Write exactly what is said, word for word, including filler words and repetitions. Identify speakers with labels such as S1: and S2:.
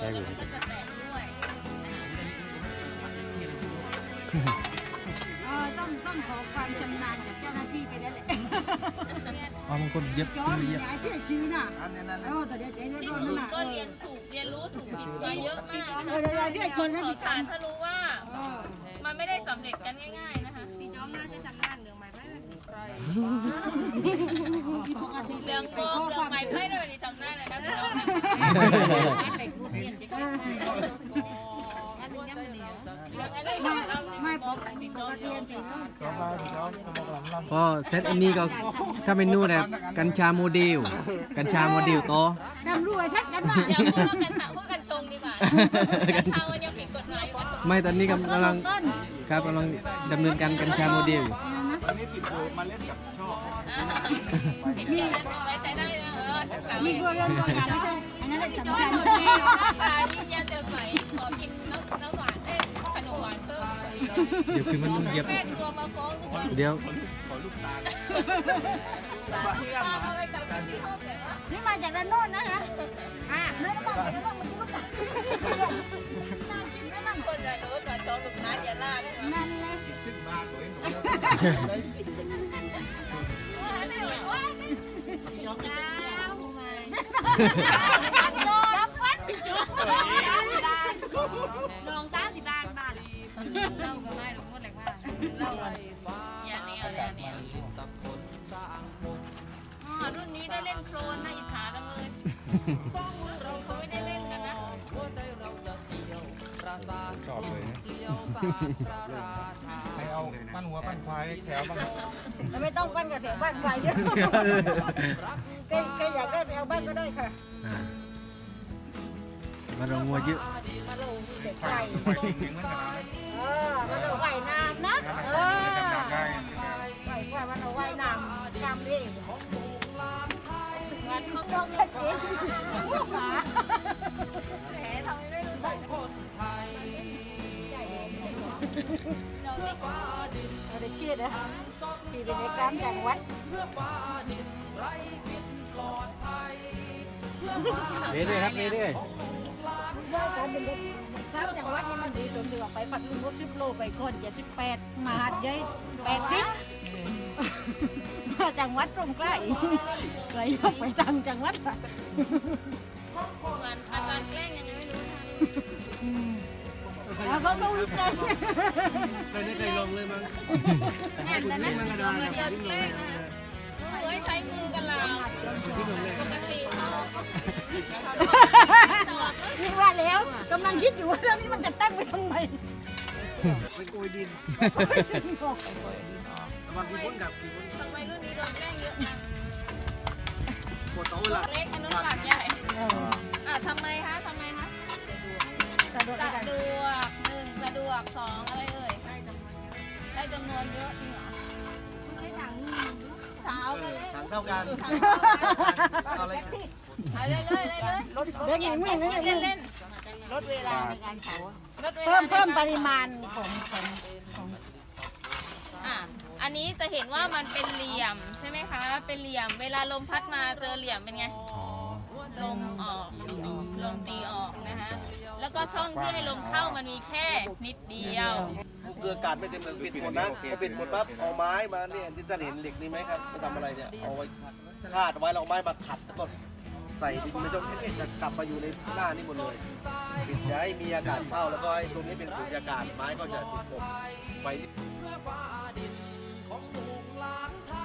S1: อแล้วมันก็จะแตกด้วย
S2: เออต้องต้องขอความชำนาญจากเจ้าหน้าที่ไปแล้วแหละ
S3: อ๋อบางคนเย็บ
S2: จอ
S3: ชื่
S2: ม
S3: อเย็บ
S2: ยายเชื่อชื่อน่ะเออแต่เดี๋ยวเดี๋ยวเดี๋ยว
S1: ที่
S2: โดน
S1: ถู
S2: นั่น
S1: ก
S2: น่ะ
S1: ก็เรียนถูกเรียนรู้ถูกผิดมาเยอะมากนะ
S2: เออเดี๋ยวเดี๋ยวเชื่อชื่อนะ
S1: ขอ
S2: พี่
S1: กา
S2: กั
S1: ร
S2: น
S1: ถ้ารู้ว่ามันไม่ได้สำเร็จกันง่ายๆนะคะพี่จอมน่าจะทำงานเรื่องไม้ไผ่เรื่องโมเรื่องไม้ไผ่ด้วยนี่จำได้เลยนะพี่จอมไปพูดเรียนจะได้ไม่ไม่ปกติปกติเรียนสิ
S3: พอเซตอันนี้ก็ถ้าเมนูแบบกัญชาโมเดลกัญชาโมเดลโต
S2: ดำรวยทักกันน่ะ
S1: อย่าพูดว่ากัญชาพูดกัญชงดีกว่ากัญชามันยังผิดกฎหมายอยู่
S3: ไม่ตอนนี้กำลังครับกำลังดำเนินการกัญชาโมเดล
S4: อันนี้ผิดเลยมาเล่นกับชอบ
S1: ผิดที่นั้นไว้ใช้ได้นะเออศึกษา
S2: มี
S1: ไว้
S2: ตัวเรื่องตัวอย่างไม่ใช่อันนั้นแหละ
S1: จอ
S2: สำ
S1: ย
S2: คัญ
S1: หมดดีตายิ้มแย้มแจ่มใสขอกินน้ำน้ำหวานเอ้ขนมหวานเพิ่ม
S3: เดี๋ยวคือมันต้องเย็บ
S1: แม่กลัวมาฟ้องทุกคน
S3: เดี๋ยว
S4: ขอลูกตาล
S1: ป้าอะไรกับที่ห้องแต่ว่า
S2: นี่มาจากด้านโน้นนะคะอ่าไม่ได้มาจากด้านโน้นมันก็ต้องน่ากินนั่น
S1: คนละรถมาชอบลูกน้าอย่าล่าด้วยนะ
S2: นั่นเลย
S4: ขึ้นมาตัวเอง
S1: ว่าเนี่ยว่าจอมจ้า
S2: รับวัดจุ๊บ
S1: ลองซ่าสิบ้านบ้านเล่าก็ไม่รู้หมดเลยว่าเล่าอะไรอย่าเนี่ยอย่าเนี่ยอ๋อรุ่นนี้ได้เล่นโครนน่าอิจฉาจังเลยเราเขาไม่ได้เล่นกันนะ
S3: ชอบเลย
S4: ใครเอาปั้นหัวปั้นควายแถวบ้าง
S2: ไม่ต้องปั้นกับแถวบ้านไฟเยอะใครใครอยากได้ไปเอาบ้านก็ได้ค่ะ
S3: มาลงงัวเยอะ
S2: มาลงเด็ก
S4: ไฟ
S2: ไก่
S4: ไฟจริงๆเหมือนกันนะ
S2: เออมันเอาไว้น้ำนะเออ
S4: จำได้
S2: ไว้ว่ามันเอาไว้น้ำกำดิมันเขาต้องชัดเจนหมา
S1: แหมทำไมไม่รู้จักคนไทยเราไม่
S2: เอาเด็กเกียดนะที่เป็นเด็กกล้ามจังหวัด
S3: เรื่อยๆครับเรื่อย
S2: ว่าการเป็นเด็กกล้ามจังหวัดนี่มันดีตรงที่ว่าไปปัดลุงรถสิบโลไปก่อนเจ็ดสิบแปดมาหัดยัยแปดสิบมาจังหวัดตรงใกล้ใครอยากไปทางจังหวัดอะ
S1: งานอาการแกล้งยังไงไม่รู้นะ
S2: แล้วก็ต้องวิจัย
S4: เคยได้เคยลงเลยมั้ง
S1: งานแต่นั้นเราเงินเดือนแกล้งนะคะเอ้ยใช้มือกันเราปกติเขาจอด
S2: คิดว่าแล้วกำลังคิดอยู่ว่าเรื่องนี้มันจะตั้งไว้ทำไม
S4: เป็นโกยดินระวังกี่พ้นกับกี่พ้น
S1: ทำไมรุ่นนี้โดนแกล้งเยอะจัง
S4: ปวดโต๊ะละ
S1: เล็กอันนู้นปากใหญ่อ่ะทำไมคะทำไมคะ
S2: สะดวก
S1: สะดวกหนึ่งสะดวกสองอะไรเอ่ยได้จำนวนเยอะจริงเหรอสาวกันเลย
S4: ถังเท่ากันเอาอะไร
S1: เอาเลยเลยเลยเลย
S2: เด็กหญิงไม่ไม่
S1: เล่น
S2: ไม่
S1: เล่น
S2: ลดเวลาในการเผา
S1: ลดเวลา
S2: เพิ่มเพิ่มปริมาณของของของ
S1: อ่ะอันนี้จะเห็นว่ามันเป็นเหลี่ยมใช่ไหมคะเป็นเหลี่ยมเวลาลมพัดมาเจอเหลี่ยมเป็นไง
S3: ๆอ๋อ
S1: ลมออกลมตีออกนะคะแล้วก็ช่องที่ให้ลมเข้ามันมีแค่นิดเดียว
S4: เกลือกาดไม่เต็มเลยปิดหมดนะพอปิดหมดปั๊บเอาไม้มาเนี่ยที่ท่านเห็นเหล็กนี่ไหมครับไปทำอะไรเนี่ยเอาไว้คาดไว้เราเอาไม้มาขัดแล้วก็ใส่ดินไม่ต้องเอ๊ะจะกลับมาอยู่ในหน้านี่หมดเลยปิดอย่าให้มีอากาศเข้าแล้วก็ให้ตรงนี้เป็นสุญญากาศไม้ก็จะถูกกบไฟ
S5: ของลูกหลานไท